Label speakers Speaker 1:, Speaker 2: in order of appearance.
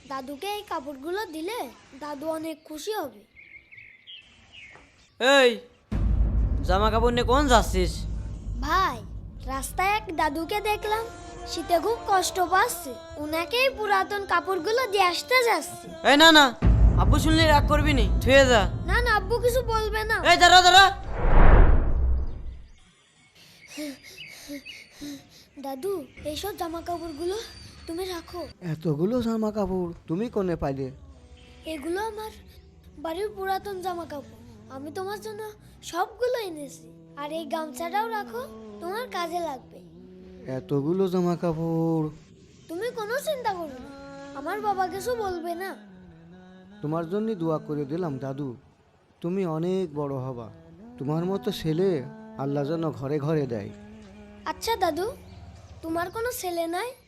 Speaker 1: দাদুকে এই কাপড়গুলো দিলে দাদু অনেক খুশি হবে।
Speaker 2: এই জামা কাপড় নিয়ে কোন যাচ্ছিস?
Speaker 1: ভাই, রাস্তায় এক দাদুকে দেখলাম, শীতে খুব কষ্ট পাচ্ছে, উনাকেই পুরাতন কাপড়গুলো দিয়ে আসতে যাচ্ছে।
Speaker 2: এই না না, আব্বু শুনলে রাগ করবি নি, থুয়ে যা।
Speaker 1: না না, আব্বু কিছু বলবে না।
Speaker 2: এই দাঁড়া দাঁড়া।
Speaker 1: দাদু, এইসব জামা কাপড়গুলো তুমি রাখো।
Speaker 3: এতগুলো জামা কাপড় তুমি কোনে পাইলে?
Speaker 1: এগুলো আমার বাড়ির পুরাতন জামা কাপড়, আমি তোমার জন্য সবগুলো এনেছি। আর এই গামছাটাও রাখো, তোমার কাজে লাগবে।
Speaker 3: এতগুলো জামা কাপড়?
Speaker 1: তুমি কোনো চিন্তা করো না, আমার বাবা কিছু বলবে না।
Speaker 3: তোমার জন্য দোয়া করে দিলাম দাদু, তুমি অনেক বড় হবা, তোমার মতো ছেলে আল্লাহ যেন ঘরে ঘরে দেয়।
Speaker 1: আচ্ছা দাদু, তোমার কোনো ছেলে নাই?